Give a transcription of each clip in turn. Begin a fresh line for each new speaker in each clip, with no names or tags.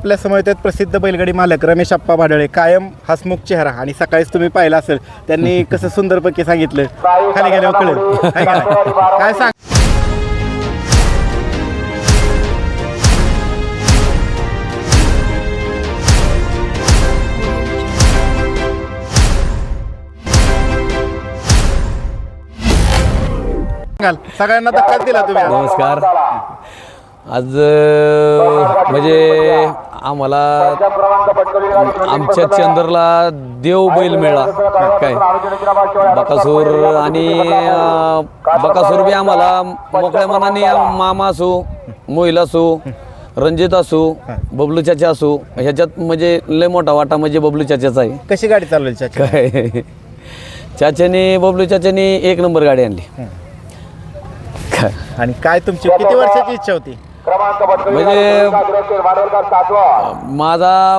आपल्या समोर आहेत प्रसिद्ध बैलगाडी मालक रमेश आप्पा भाडळे, कायम हसमुख चेहरा. आणि सकाळीच तुम्ही पाहिलं असेल त्यांनी कसं सुंदरपैकी सांगितलं, खाली गेल्यावर कळेल काय सांग. सगळ्यांना धक्काच दिला तुम्ही.
नमस्कार. आज म्हणजे आम्हाला आमच्या चंदरला देव बैल मिळाला काय बकासूर. आणि बकासूर बी आम्हाला मोकळ्या मनाने मामा असो, मोहिल असो, रणजित असो, बबलू चाचा असो, ह्याच्यात म्हणजे लय मोठा वाटा म्हणजे बबलू चाचाचा आहे.
कशी गाडी चालवली चाचा?
काय चाच्याने बबलू चाच्याने 1 नंबर गाडी आणली.
आणि काय तुमची किती वर्षाची इच्छा होती?
म्हणजे माझा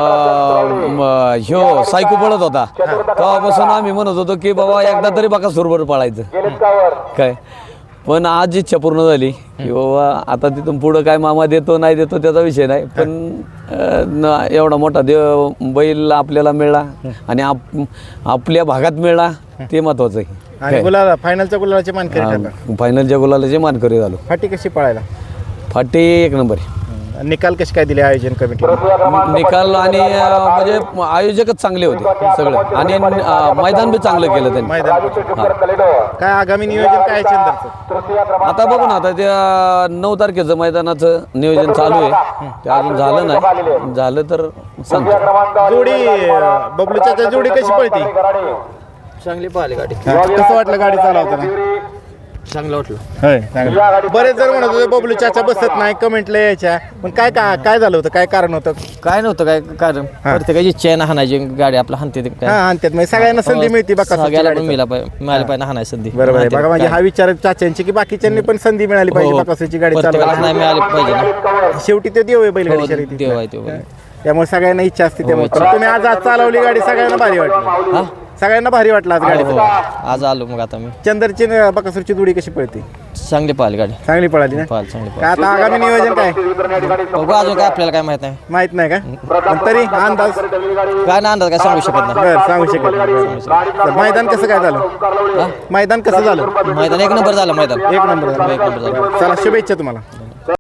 ह्यो सायको पळत होता तेव्हापासून आम्ही म्हणत होतो की बाबा एकदा तरी बकासूरवर पळायचं काय. पण आज इच्छा पूर्ण झाली की बाबा आता तिथून पुढं काय मामा देतो नाही देतो त्याचा विषय नाही, पण एवढा मोठा देव बैल आपल्याला मिळाला आणि आपल्या भागात मिळाला ते महत्वाचं आहे.
आणि गुलाला फायनलच्या गुलालाची मानकरी ठरला.
फायनलच्या गुलालाचे मानकरी झालो.
फाटी कशी पळायला?
फाटी 1 नंबर.
निकाल कसे काय दिले आयोजन कमिटी?
निकाल आणि म्हणजे आयोजकच चांगले होते सगळं आणि मैदान बी चांगलं केलं त्यांनी.
मैदान काय आगामी नियोजन काय चंदरचं?
आता बघू ना, आता त्या 9 तारखेचं मैदानाचं नियोजन चालू आहे. ते अजून झालं नाही, झालं तर सांगतो.
जोडी बबलूच्या जोडी कशी पळती?
चांगली पाहिली गाडी.
कसं वाटलं गाडी चालवताना?
चांगलं वाटलं.
बरेच जण म्हणत होते बबलू चाचा बसत नाही, कमेंटला यायच्या, पण काय झालं होतं? काय कारण होतं?
काय नव्हतं काय कारण, प्रत्येकाची इच्छा आहे ना हाणायची गाडी आपला हाणते ते काय.
आणतात म्हणजे सगळ्यांना संधी मिळते बघा.
सगळ्याला पण मिळाली पाहिजे ना हाणायची संधी.
बरोबर आहे बघा. म्हणजे हा विचार चाच्यांची की बाकीच्यांनी पण संधी मिळाली पाहिजे बकासूरची गाडी
प्रत्येकाला
चालवायला.
नाही मिळाली पाहिजे ना.
शेवटी ते देव आहे बैलगाडी शर्यतीत.
देव आहे तो.
त्यामुळे सगळ्यांना इच्छा असते. त्यामुळे तुम्ही आज चालवली गाडी, सगळ्यांना भारी वाटली. सगळ्यांना भारी वाटलं आज गाडी.
आज आलो मग आता मी.
चंदरची बकासूरची जोडी कशी पळते?
चांगली पाहिली गाडी.
चांगली पळाली ना?
चांगली
काय आता आगामी नियोजन काय?
बघू अजून काय आपल्याला काय माहित नाही.
माहित नाही का? पण तरी अंदाज
काय ना अंदाज काय सांगू शकत नाही.
बरं, सांगू शकत नाही. तर मैदान कसं काय झालं? मैदान कसं झालं?
मैदान 1 नंबर झालं. मैदान
1 नंबर झालं. चला, शुभेच्छा तुम्हाला.